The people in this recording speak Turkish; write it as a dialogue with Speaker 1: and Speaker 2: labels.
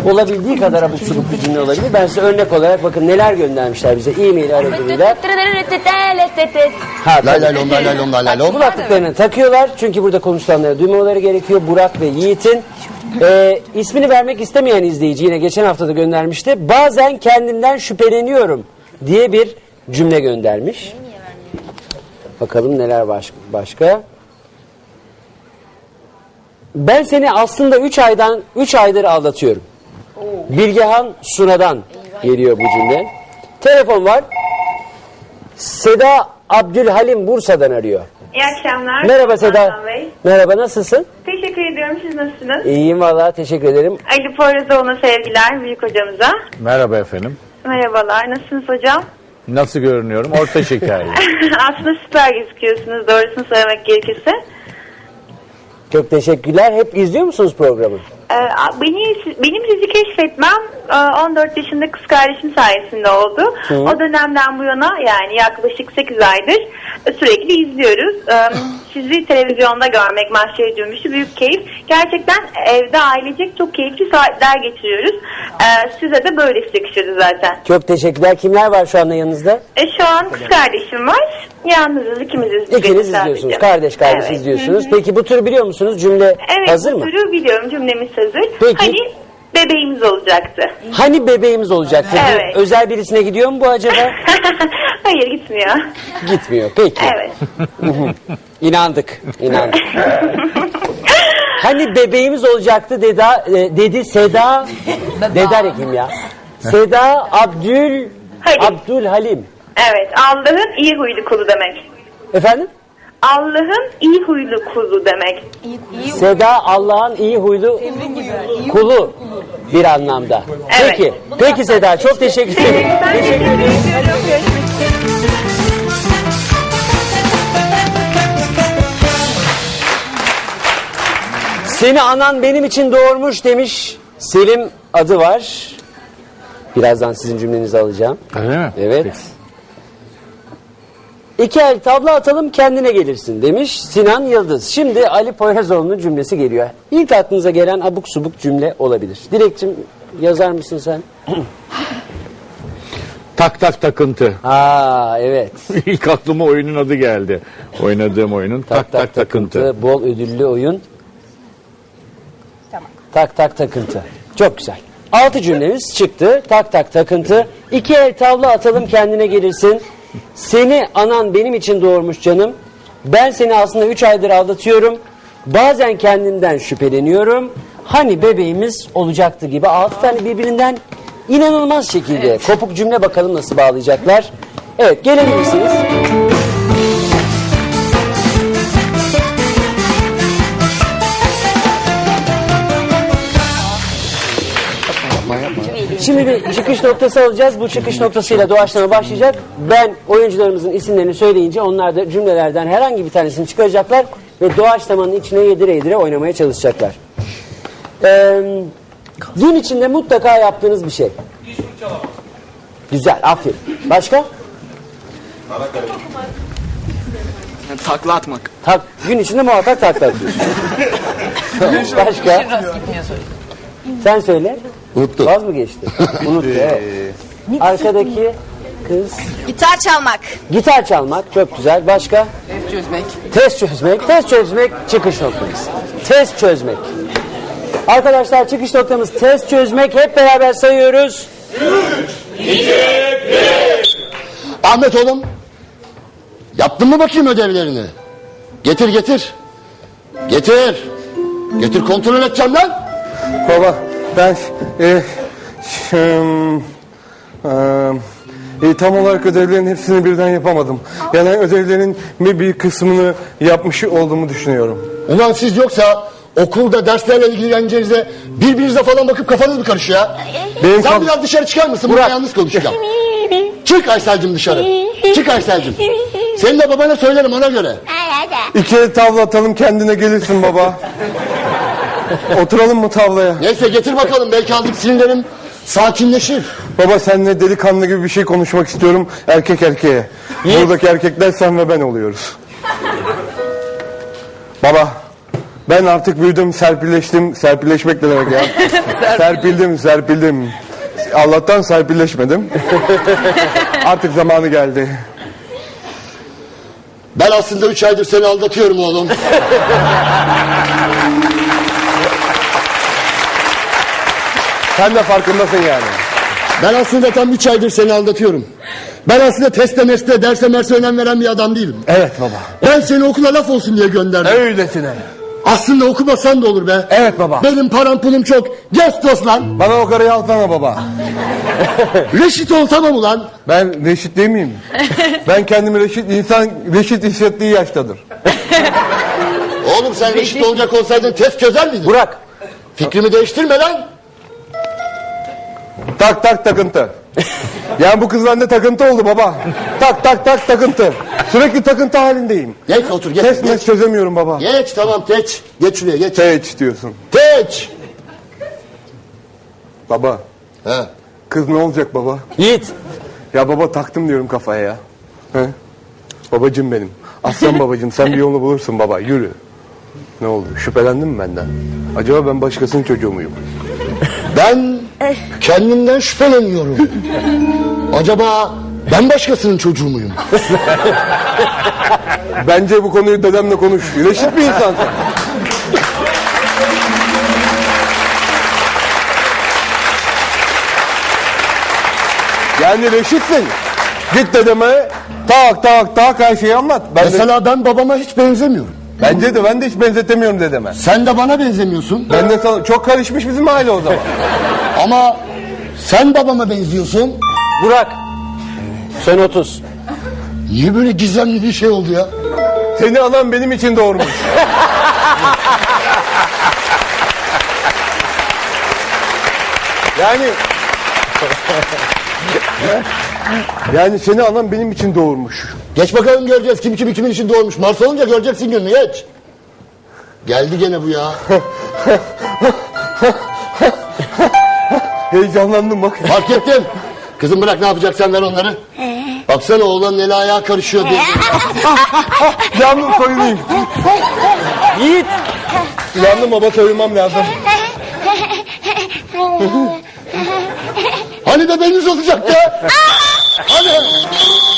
Speaker 1: olabildiği kadar abuk subuk bir cümle olabilir. Ben size örnek olarak bakın neler göndermişler bize e-mail aracılığıyla.
Speaker 2: Lay lay lom lay lay lom lay lay lom.
Speaker 1: Kulaklıklarını takıyorlar çünkü burada konuşulanları duymaları gerekiyor. Burak ve Yiğit'in ismini vermek istemeyen izleyici yine geçen hafta da göndermişti. Bazen kendimden şüpheleniyorum diye bir cümle göndermiş. Bakalım neler başka. Ben seni aslında 3 aydır aldatıyorum. Bilgehan Suna'dan geliyor bu cümle. Telefon var. Seda Abdülhalim Bursa'dan arıyor.
Speaker 3: İyi akşamlar.
Speaker 1: Merhaba Seda.
Speaker 3: Hasan Bey.
Speaker 1: Merhaba, nasılsın?
Speaker 3: Teşekkür ediyorum. Siz nasılsınız?
Speaker 1: İyiyim valla, teşekkür ederim.
Speaker 3: Ali Poyrazoğlu'na sevgiler büyük hocamıza.
Speaker 4: Merhaba efendim.
Speaker 3: Merhabalar. Nasılsınız hocam?
Speaker 4: Nasıl görünüyorum? Orta şekerli.
Speaker 3: Aslında süper gözüküyorsunuz doğrusunu söylemek gerekirse.
Speaker 1: Çok teşekkürler. Hep izliyor musunuz programı?
Speaker 3: Benim sizi keşfetmem 14 yaşında kız kardeşim sayesinde oldu. O dönemden bu yana yani yaklaşık 8 aydır sürekli izliyoruz. Sizi televizyonda görmek Mahşer Cümbüşü büyük keyif. Gerçekten evde ailecek çok keyifli saatler geçiriyoruz. Size de böylesi yakışırdı zaten.
Speaker 1: Çok teşekkürler. Kimler var şu anda yanınızda?
Speaker 3: Şu an kız kardeşim var. Yalnızız, ikimiziz.
Speaker 1: İkiniz izliyorsunuz. Kardeş
Speaker 3: evet.
Speaker 1: izliyorsunuz. Peki bu tür biliyor musunuz? Cümle hazır mı?
Speaker 3: Evet, bu türü biliyorum. Cümlemiz hazır.
Speaker 1: Peki.
Speaker 3: Hani bebeğimiz olacaktı.
Speaker 1: Hani bebeğimiz olacaktı?
Speaker 3: Evet.
Speaker 1: Bu özel birisine gidiyor mu bu acaba?
Speaker 3: Hayır, gitmiyor.
Speaker 1: Gitmiyor. Peki.
Speaker 3: Evet.
Speaker 1: İnandık. Hani bebeğimiz olacaktı dedi Seda. Deda Ekim ya. Seda Abdülhalim.
Speaker 3: Evet, Allah'ın iyi huylu kulu demek.
Speaker 1: Efendim?
Speaker 3: Allah'ın iyi huylu kulu demek.
Speaker 1: Seda Allah'ın iyi huylu kulu bir anlamda.
Speaker 3: Evet.
Speaker 1: Peki Seda, çok teşekkür ederim.
Speaker 3: Ben teşekkür ediyorum. Görüşmek üzere.
Speaker 1: Seni anan benim için doğurmuş demiş. Selim adı var. Birazdan sizin cümlenizi alacağım.
Speaker 4: Öyle mi?
Speaker 1: Evet. İki el tavla atalım kendine gelirsin demiş Sinan Yıldız. Şimdi Ali Poyrazoğlu'nun cümlesi geliyor. İlk aklınıza gelen abuk subuk cümle olabilir. Dilekçim yazar mısın sen?
Speaker 4: Tak tak takıntı.
Speaker 1: Evet.
Speaker 4: İlk aklıma oyunun adı geldi. Oynadığım oyunun tak tak takıntı.
Speaker 1: Bol ödüllü oyun. Tamam. Tak tak takıntı. Çok güzel. 6 cümlemiz çıktı. Tak tak takıntı. İki el tavla atalım kendine gelirsin. Seni anan benim için doğurmuş canım. Ben seni aslında 3 aydır aldatıyorum. Bazen kendimden şüpheleniyorum. Hani bebeğimiz olacaktı gibi 6 tane birbirinden inanılmaz şekilde kopuk cümle, bakalım nasıl bağlayacaklar. Evet, gelebilirsiniz. Şimdi bir çıkış noktası alacağız. Bu çıkış noktasıyla doğaçlama başlayacak. Ben oyuncularımızın isimlerini söyleyince onlar da cümlelerden herhangi bir tanesini çıkaracaklar ve doğaçlamanın içine yedire yedire oynamaya çalışacaklar. Gün içinde mutlaka yaptığınız bir şey. Güzel, aferin. Başka?
Speaker 5: Takla atmak.
Speaker 1: Gün içinde muhakkak takla atıyorsun. Başka? Sen söyle.
Speaker 2: Unuttu.
Speaker 1: Vaz mı geçti? Unuttu, evet. Arkadaki kız.
Speaker 6: Gitar çalmak.
Speaker 1: Gitar çalmak, çok güzel. Başka? Test çözmek. Test çözmek çıkış noktamız. Test çözmek. Arkadaşlar, çıkış noktamız test çözmek. Hep beraber sayıyoruz.
Speaker 2: 3, 2, 1. Ahmet oğlum. Yaptın mı bakayım ödevlerini? Getir. Getir kontrol edeceğim lan.
Speaker 7: Baba ben tam olarak ödevlerin hepsini birden yapamadım. Yani ödevlerin bir kısmını yapmış olduğumu düşünüyorum.
Speaker 2: Ulan siz yoksa okulda derslerle ilgileneceğinize birbirinize falan bakıp kafanız mı karışıyor ya? Sen biraz dışarı çıkar mısın? Burada yalnız konuşacağım. Çık Aysel'cim dışarı. Çık Aysel'cim. Senin de babana söylerim ona göre.
Speaker 7: İki el tavla atalım kendine gelirsin baba. Oturalım mı tavlaya?
Speaker 2: Neyse getir bakalım, belki azıcık sinirlerim sakinleşir.
Speaker 7: Baba seninle delikanlı gibi bir şey konuşmak istiyorum, erkek erkeğe. Buradaki erkekler sen ve ben oluyoruz. Baba Ben artık büyüdüm, serpilleştim. Serpilleşmek ne demek ya? Serpildim. Allah'tan serpilleşmedim. Artık zamanı geldi.
Speaker 2: Ben aslında 3 aydır seni aldatıyorum oğlum.
Speaker 7: Sen de farkındasın yani.
Speaker 2: Ben aslında tam 3 aydır seni aldatıyorum. Ben aslında teste meste, derse merse önem veren bir adam değilim.
Speaker 7: Evet baba.
Speaker 2: Ben seni okula laf olsun diye gönderdim.
Speaker 7: Öylesine.
Speaker 2: Aslında okumasan da olur be.
Speaker 7: Evet baba.
Speaker 2: Benim param pulum çok. Gestos lan.
Speaker 7: Bana o karıyı alsana baba.
Speaker 2: Reşit ol tamam ulan.
Speaker 7: Ben reşit değil miyim? Ben kendimi reşit, insan reşit hissettiği yaştadır.
Speaker 2: Oğlum sen reşit olacak olsaydın test çözer miydin?
Speaker 1: Burak.
Speaker 2: Fikrimi değiştirme lan.
Speaker 7: Tak takıntı. Yani bu kız bende takıntı oldu baba. Tak takıntı. Sürekli takıntı halindeyim.
Speaker 2: Geç otur geç.
Speaker 7: Test
Speaker 2: Geç,
Speaker 7: mes çözemiyorum baba.
Speaker 2: geç tamam geç. Geç şuraya geç.
Speaker 7: Hiç diyorsun.
Speaker 2: Geç.
Speaker 7: Baba.
Speaker 2: He.
Speaker 7: Kız ne olacak baba?
Speaker 1: Yiğit.
Speaker 7: Ya baba taktım diyorum kafaya ya. He? Babacım benim. Aslan babacım sen bir yolunu bulursun baba yürü. Ne oldu? Şüphelendin mi benden? Acaba ben başkasının çocuğu muyum?
Speaker 2: Ben kendimden şüpheleniyorum. Acaba ben başkasının çocuğu muyum?
Speaker 7: Bence bu konuyu dedemle konuş. Reşit bir insansın. Yani reşitsin. Git dedeme tak her şeyi anlat.
Speaker 2: Mesela ben babama hiç benzemiyorum.
Speaker 7: Bence de ben de hiç benzetemiyorum dedeme.
Speaker 2: Sen de bana benzemiyorsun.
Speaker 7: Ben de sana, çok karışmış bizim aile o zaman.
Speaker 2: Ama sen babama benziyorsun.
Speaker 1: Burak. Son 30.
Speaker 2: Niye böyle gizemli bir şey oldu ya?
Speaker 7: Seni anam benim için doğurmuş. Yani seni anam benim için doğurmuş.
Speaker 2: Geç bakalım göreceğiz kim kimin için doğmuş. Mars olunca göreceksin gününü geç. Geldi gene bu ya.
Speaker 7: Heyecanlandım bak.
Speaker 2: Fark ettim. Kızım bırak ne yapacaksan ver onları. Baksana oğlanın eli ayağı karışıyor diye.
Speaker 7: Yandım soyunayım.
Speaker 1: Yiğit.
Speaker 7: Yandım baba soyunmam lazım.
Speaker 2: Hani bebeğiniz olacaktı? Hani?